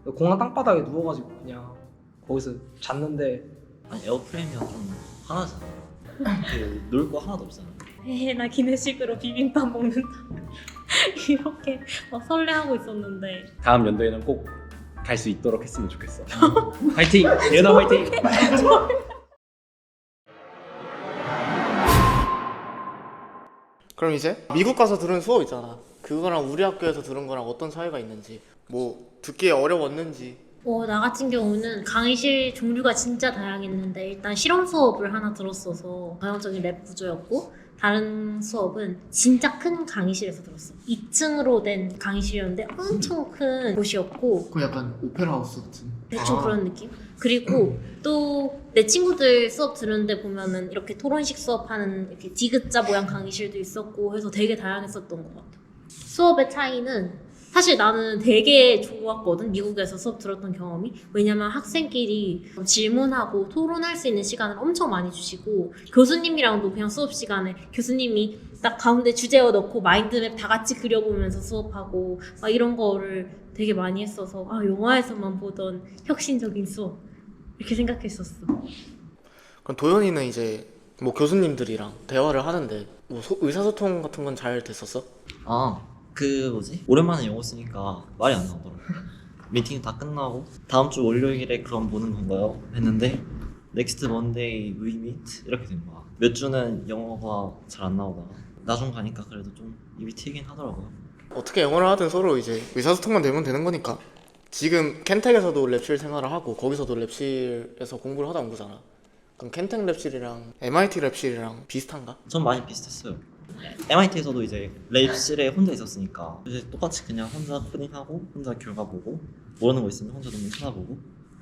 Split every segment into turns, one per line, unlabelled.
공항 땅바닥에 누워가지고 그냥 거기서 잤는데
아니 에어프레임이랑 좀 하나잖아. 그 놀 거 하나도 없잖아.
나 기내식으로 비빔밥 먹는다. 이렇게 막 설레하고 있었는데
다음 연도에는 꼭 갈 수 있도록 했으면 좋겠어. 화이팅! 예은아 화이팅!
그럼 이제 미국 가서 들은 수업 있잖아. 그거랑 우리 학교에서 들은 거랑 어떤 차이가 있는지, 뭐 듣기에 어려웠는지.
나 같은 경우는 강의실 종류가 진짜 다양했는데 일단 실험 수업을 하나 들었어서 전형적인 랩 구조였고 다른 수업은 진짜 큰 강의실에서 들었어. 2층으로 된 강의실이었는데 엄청 큰 곳이었고
그 약간 오페라 하우스 같은.
대충 그런 느낌? 그리고 또 내 친구들 수업 들었는데 보면은 이렇게 토론식 수업하는 이렇게 디귿자 모양 강의실도 있었고 해서 되게 다양했었던 것 같아. 수업의 차이는 사실 나는 되게 좋았거든. 미국에서 수업 들었던 경험이. 왜냐면 학생끼리 질문하고 토론할 수 있는 시간을 엄청 많이 주시고 교수님이랑도 그냥 수업 시간에 교수님이 딱 가운데 주제어 넣고 마인드맵 다 같이 그려보면서 수업하고 막 이런 거를 되게 많이 했어서 영화에서만 보던 혁신적인 수업 이렇게 생각했었어.
그럼 도현이는 이제 뭐 교수님들이랑 대화를 하는데 뭐 의사소통 같은 건 잘 됐었어?
그 뭐지? 오랜만에 영어 쓰니까 말이 안 나오더라고. 미팅 다 끝나고 다음 주 월요일에 그럼 보는 건가요? 했는데 Next Monday we meet 이렇게 된 거야. 몇 주는 영어가 잘 안 나오다가 나중 가니까 그래도 좀 입이 트이긴 하더라고요.
어떻게 영어를 하든 서로 이제 의사소통만 되면 되는 거니까. 지금 켄텍에서도 랩실 생활을 하고 거기서도 랩실에서 공부를 하다 온 거잖아. 그럼 켄텍 랩실이랑 MIT 랩실이랑 비슷한가?
전 많이 비슷했어요. MIT에서도 이제 랩실에 혼자 있었으니까 이제 똑같이 그냥 혼자 코딩하고 혼자 결과 보고 모르는 거 있으면 혼자 논문 찾아보고.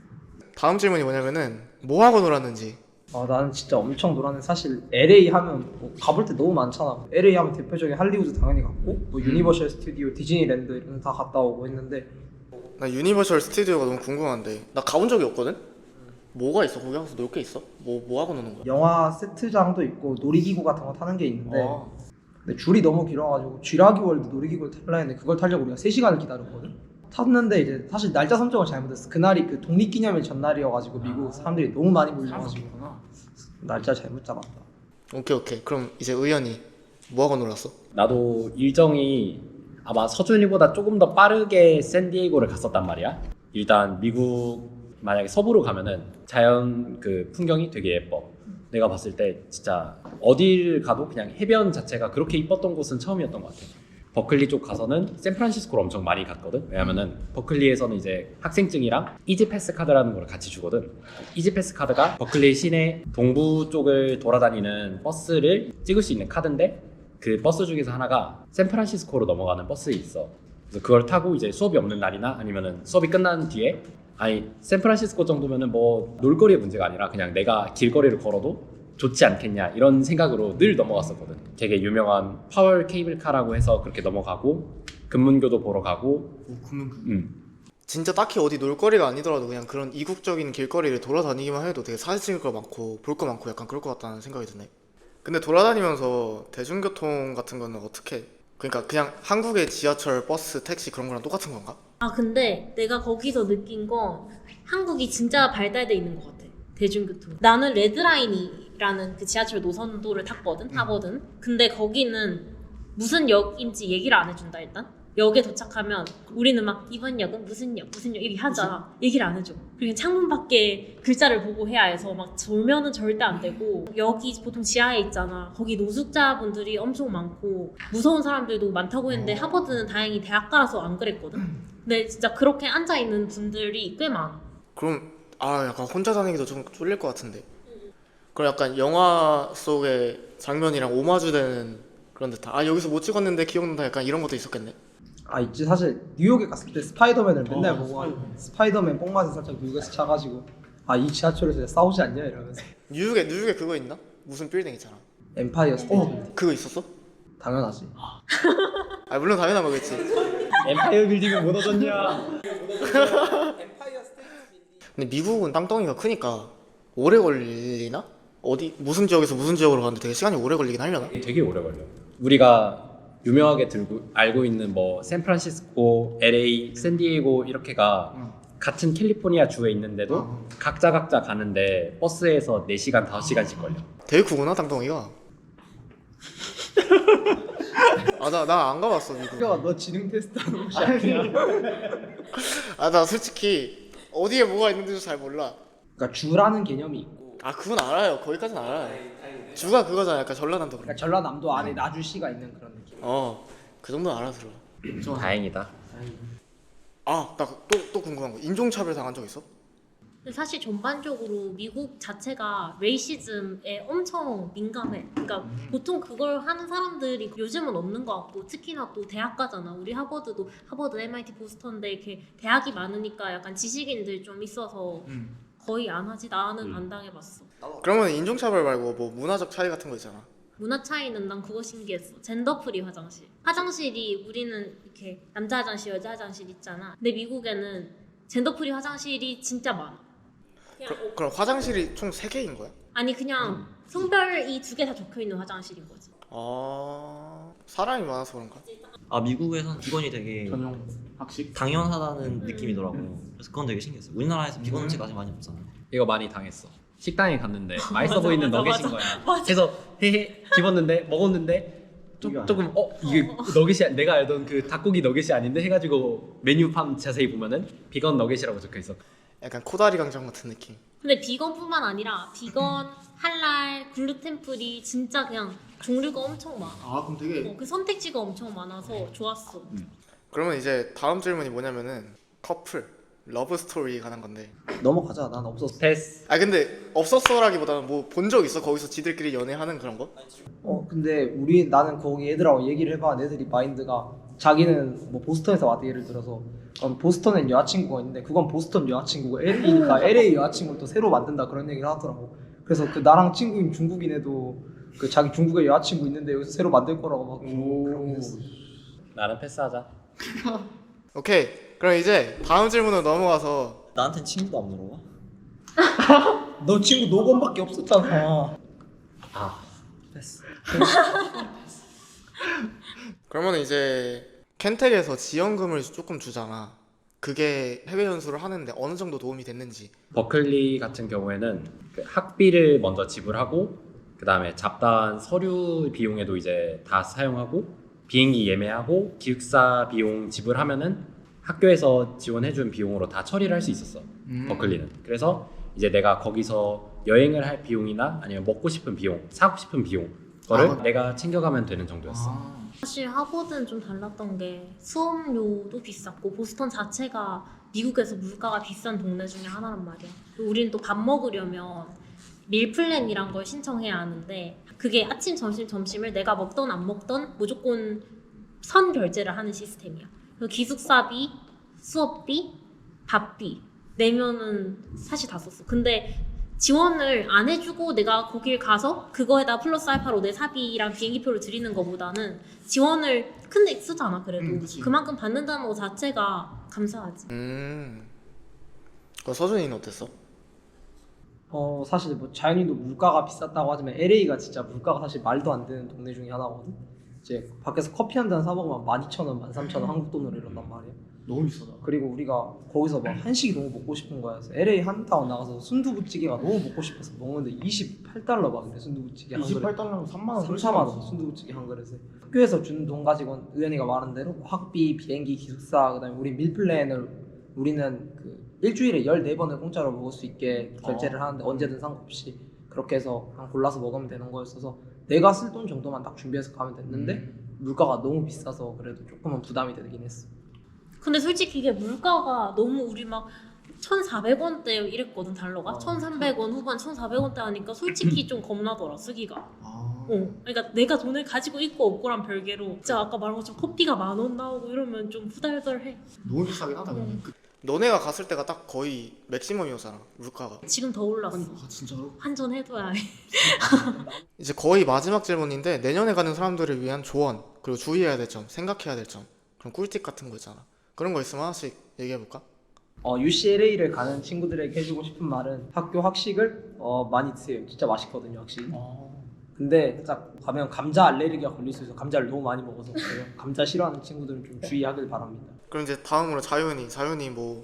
다음 질문이 뭐냐면은 뭐 하고 놀았는지.
나는 진짜 엄청 놀았는데 사실 LA 하면 뭐 가볼 때 너무 많잖아. LA 하면 대표적인 할리우드 당연히 갔고 뭐 유니버셜 스튜디오, 디즈니랜드 이런 데 다 갔다 오고 했는데
나 유니버셜 스튜디오가 너무 궁금한데 나 가본 적이 없거든? 뭐가 있어? 거기 가서 놀 게 있어? 뭐 하고 노는 거야?
영화 세트장도 있고 놀이기구 같은 거 타는 게 있는데 근데 줄이 너무 길어가지고 쥐라기 월드 놀이기구를 타려 했는데 그걸 타려고 우리가 3시간을 기다렸거든? 탔는데 이제 사실 날짜 선정을 잘못했어. 그날이 그 독립기념일 전날이어가지고 미국 사람들이 너무 많이 몰려가지고 날짜 잘못 잡았다.
오케이. 그럼 이제 의연이 뭐 하고 놀았어?
나도 일정이 아마 서준이보다 조금 더 빠르게 샌디에이고를 갔었단 말이야. 일단 미국 만약에 서부로 가면은 자연 그 풍경이 되게 예뻐. 내가 봤을 때 진짜 어딜 가도 그냥 해변 자체가 그렇게 이뻤던 곳은 처음이었던 것 같아. 버클리 쪽 가서는 샌프란시스코를 엄청 많이 갔거든. 왜냐면은 버클리에서는 이제 학생증이랑 이지패스 카드라는 걸 같이 주거든. 이지패스 카드가 버클리 시내 동부 쪽을 돌아다니는 버스를 찍을 수 있는 카드인데 그 버스 중에서 하나가 샌프란시스코로 넘어가는 버스 있어. 그래서 그걸 타고 이제 수업이 없는 날이나 아니면은 수업이 끝난 뒤에 아니 샌프란시스코 정도면은 뭐 놀거리의 문제가 아니라 그냥 내가 길거리를 걸어도 좋지 않겠냐 이런 생각으로 늘 넘어갔었거든. 되게 유명한 파월 케이블카라고 해서 그렇게 넘어가고 금문교도 보러 가고.
진짜 딱히 어디 놀거리가 아니더라도 그냥 그런 이국적인 길거리를 돌아다니기만 해도 되게 사진 찍을 거 많고 볼 거 많고 약간 그럴 것 같다는 생각이 드네. 근데 돌아다니면서 대중교통 같은 거는 어떻게 해? 그러니까 그냥 한국의 지하철, 버스, 택시 그런 거랑 똑같은 건가?
근데 내가 거기서 느낀 건 한국이 진짜 발달돼 있는 것 같아. 대중교통. 나는 레드라인이라는 그 지하철 노선도를 타거든. 근데 거기는 무슨 역인지 얘기를 안 해준다 일단. 역에 도착하면 우리는 막 이번 역은 무슨 역 얘기 하잖아. 얘기를 안 해줘. 그리고 창문 밖에 글자를 보고 해야 해서 막 졸면은 절대 안 되고. 여기 보통 지하에 있잖아. 거기 노숙자분들이 엄청 많고 무서운 사람들도 많다고 했는데 하버드는 다행히 대학가라서 안 그랬거든. 근데 진짜 그렇게 앉아있는 분들이 꽤 많아.
그럼 약간 혼자 다니기도 좀 쫄릴 것 같은데. 그럼 약간 영화 속의 장면이랑 오마주되는 그런 듯한 여기서 못 찍었는데 기억난다 약간 이런 것도 있었겠네.
있지. 사실 뉴욕에 갔을 때 스파이더맨을 맨날 보고 스파이더맨 뽕맛에 살짝 뉴욕에서 차가지고 이 지하철에서 싸우지 않냐 이러면서.
뉴욕에 그거 있나? 무슨 빌딩 있잖아.
엠파이어 스테이트.
그거 있었어?
당연하지.
물론 당연한 거겠지.
엠파이어 빌딩을 못 얻었냐?
근데 미국은 땅덩이가 크니까 오래 걸리나? 어디 무슨 지역에서 무슨 지역으로 가는데 되게 시간이 오래 걸리긴 하려나?
되게 오래 걸려. 우리가 유명하게 알고 있는 뭐 샌프란시스코, LA, 샌디에이고 이렇게가 같은 캘리포니아 주에 있는데도
어.
각자 가는데 버스에서 4시간 5시간씩 걸려.
되게 크구나 땅덩이가. 아 나 안 가봤어 미국.
야, 너 지능 테스트 하는 곳이 아니야.
아 나 솔직히 어디에 뭐가 있는지도 잘 몰라.
그러니까 주라는 개념이 있고,
아 그건 알아요. 거기까지는 알아요. 주가 그거잖아. 약간 전라남도 그런.
그러니까 전라남도 안에 나주시가 있는 그런 느낌.
그 정도는 알아들어.
다행이다.
아 나 또 궁금한 거. 인종차별 당한 적 있어?
근데 사실 전반적으로 미국 자체가 레이시즘에 엄청 민감해. 그러니까 보통 그걸 하는 사람들이 요즘은 없는 것 같고, 특히나 또 대학 가잖아. 우리 하버드도 하버드, MIT, 보스턴데 이렇게 대학이 많으니까 약간 지식인들 좀 있어서 거의 안 하지. 나는 안 당해봤어.
그러면 인종차별 말고 뭐 문화적 차이 같은 거 있잖아.
문화 차이는 난 그거 신기했어. 젠더 프리 화장실. 화장실이 우리는 이렇게 남자 화장실, 여자 화장실 있잖아. 근데 미국에는 젠더 프리 화장실이 진짜 많아. 그냥
그럼 화장실이 총 3개인 거야?
아니 그냥 성별이 2개 다 적혀 있는 화장실인 거지.
아 사람이 많아서 그런가?
아 미국에선 비건이 되게
전용 학식?
당연하다는 느낌이더라고요. 그래서 그건 되게 신기했어요. 우리나라에서 비건 음식 아직 많이 없잖아요.
이거 많이 당했어. 식당에 갔는데 맛있어
맞아,
보이는
맞아,
너겟인
맞아.
거야. 그래서 헤헤 집었는데 먹었는데 조금 이게 너겟이 내가 알던 그 닭고기 너겟이 아닌데 해가지고 메뉴판 자세히 보면은 비건 너겟이라고 적혀 있어.
약간 코다리 강정 같은 느낌.
근데 비건뿐만 아니라 비건, 할랄, 글루텐 프리 진짜 그냥 종류가 엄청 많아.
아 그럼 되게
그 선택지가 엄청 많아서 좋았어.
그러면 이제 다음 질문이 뭐냐면은 커플 러브 스토리 관한 건데.
넘어가자. 난 없었어.
패스.
아 근데 없었어라기보다는 뭐 본 적 있어? 거기서 지들끼리 연애하는 그런 거?
근데 나는 거기 애들하고 얘기를 해봐. 애들이 마인드가 자기는 뭐 보스턴에서 왔대. 예를 들어서 보스턴엔 여자친구가 있는데 그건 보스턴 여자친구고 LA니까 LA 여자친구를 또 새로 만든다 그런 얘기를 하더라고. 그래서 그 나랑 친구인 중국인 애도 그 자기 중국에 여자친구 있는데 여기서 새로 만들 거라고 막 그런 게 했어.
나는 패스하자.
오케이 그럼 이제 다음 질문으로 넘어가서
나한텐 친구도 안 물어봐?
너 친구 노건밖에 없었잖아.
됐어.
그러면 이제 켄텍에서 지원금을 조금 주잖아. 그게 해외 연수를 하는데 어느 정도 도움이 됐는지.
버클리 같은 경우에는 그 학비를 먼저 지불하고 그 다음에 잡다한 서류 비용에도 이제 다 사용하고 비행기 예매하고 기숙사 비용 지불하면은 학교에서 지원해준 비용으로 다 처리를 할 수 있었어. 버클리는. 그래서 이제 내가 거기서 여행을 할 비용이나 아니면 먹고 싶은 비용, 사고 싶은 비용 거를 내가 챙겨가면 되는 정도였어.
사실 하버드는 좀 달랐던 게 수업료도 비쌌고 보스턴 자체가 미국에서 물가가 비싼 동네 중에 하나란 말이야. 우리는 또 밥 먹으려면 밀플랜이란 걸 신청해야 하는데 그게 아침, 점심, 점심을 내가 먹던 안 먹던 무조건 선 결제를 하는 시스템이야. 그래서 기숙사비, 수업비, 밥비 내면은 사실 다 썼어. 근데 지원을 안 해주고 내가 거길 가서 그거에다 플러스 알파로 내 사비랑 비행기표를 드리는 것보다는 지원을 큰데 쓰잖아. 그래도
그치.
그만큼 받는다는 것 자체가 감사하지.
그럼 서준이는 어땠어?
사실 뭐 자연히도 물가가 비쌌다고 하지만 LA가 진짜 물가가 사실 말도 안 되는 동네 중에 하나거든. 이제 밖에서 커피 한 잔 사 먹으면 12,000원, 13,000원 한국 돈으로 이런단 말이야.
너무 비싸다.
그리고 우리가 거기서 막 한식이 너무 먹고 싶은 거야. 그래서 LA 한타운 나가서 순두부찌개가 너무 먹고 싶어서 먹는데 $28 막 이래. 순두부찌개 한 그릇.
28달러면 3만 원.
3,000원 원 순두부찌개 한 그릇에. 학교에서 주는 돈 가지고 의연이가 말한 대로 학비, 비행기, 기숙사, 그다음에 우리 밀플랜을 우리는 그 일주일에 14번을 공짜로 먹을 수 있게 결제를 하는데 언제든 상관없이 그렇게 해서 그냥 골라서 먹으면 되는 거였어서 내가 쓸 돈 정도만 딱 준비해서 가면 됐는데 물가가 너무 비싸서 그래도 조금은 부담이 되긴 했어.
근데 솔직히 이게 물가가 너무 우리 막 1,400원대 이랬거든 달러가. 1,300원 후반 1,400원대 하니까 솔직히 좀 겁나더라 쓰기가. 그러니까 내가 돈을 가지고 있고 없고랑 별개로 진짜 아까 말한 것처럼 커피가 10,000원 나오고 이러면 좀 후달달해.
너무 비싸긴 하다. 근데.
너네가 갔을 때가 딱 거의 맥시멈이었잖아 물가가.
지금 더 올랐어.
아 진짜로?
한전 해둬야 해.
이제 거의 마지막 질문인데 내년에 가는 사람들을 위한 조언 그리고 주의해야 될 점, 생각해야 될 점 그런 꿀팁 같은 거 있잖아. 그런 거 있으면 하나씩 얘기해볼까?
UCLA를 가는 친구들에게 해주고 싶은 말은 학교 학식을 많이 드세요. 진짜 맛있거든요 확실히. 근데 딱 가면 감자 알레르기가 걸릴 수 있어서 감자를 너무 많이 먹어서 그래요. 감자 싫어하는 친구들은 좀 주의하길 바랍니다.
그럼 이제 다음으로 자윤이 뭐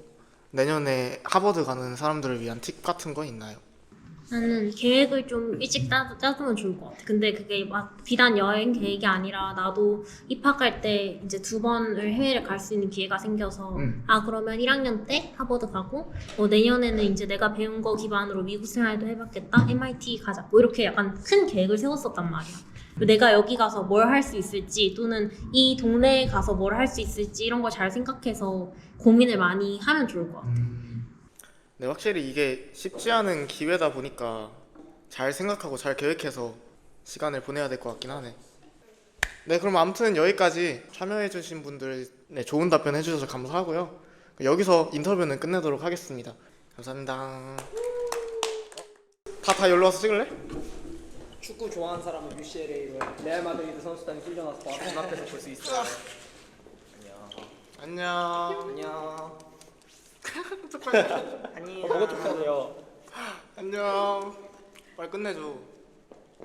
내년에 하버드 가는 사람들을 위한 팁 같은 거 있나요?
나는 계획을 좀 일찍 짜두면 좋을 것 같아. 근데 그게 막 비단 여행 계획이 아니라 나도 입학할 때 이제 2번을 해외를 갈 수 있는 기회가 생겨서 아 그러면 1학년 때 하버드 가고 내년에는 이제 내가 배운 거 기반으로 미국 생활도 해봤겠다. MIT 가자. 뭐 이렇게 약간 큰 계획을 세웠었단 말이야. 내가 여기 가서 뭘 할 수 있을지 또는 이 동네에 가서 뭘 할 수 있을지 이런 걸 잘 생각해서 고민을 많이 하면 좋을 것 같아.
네, 확실히 이게 쉽지 않은 기회다 보니까 잘 생각하고 잘 계획해서 시간을 보내야 될 것 같긴 하네. 네, 그럼 아무튼 여기까지 참여해주신 분들 좋은 답변 해주셔서 감사하고요. 여기서 인터뷰는 끝내도록 하겠습니다. 감사합니다. 다 여기로 와서 찍을래?
축구 좋아하는 사람은 UCLA로 레알 마드리드 선수단이 훈련와서 바로 눈앞에서 볼 수 있어.
안녕.
안녕.
안녕.
뭐가 좋다고요?
안녕. 빨리 끝내줘.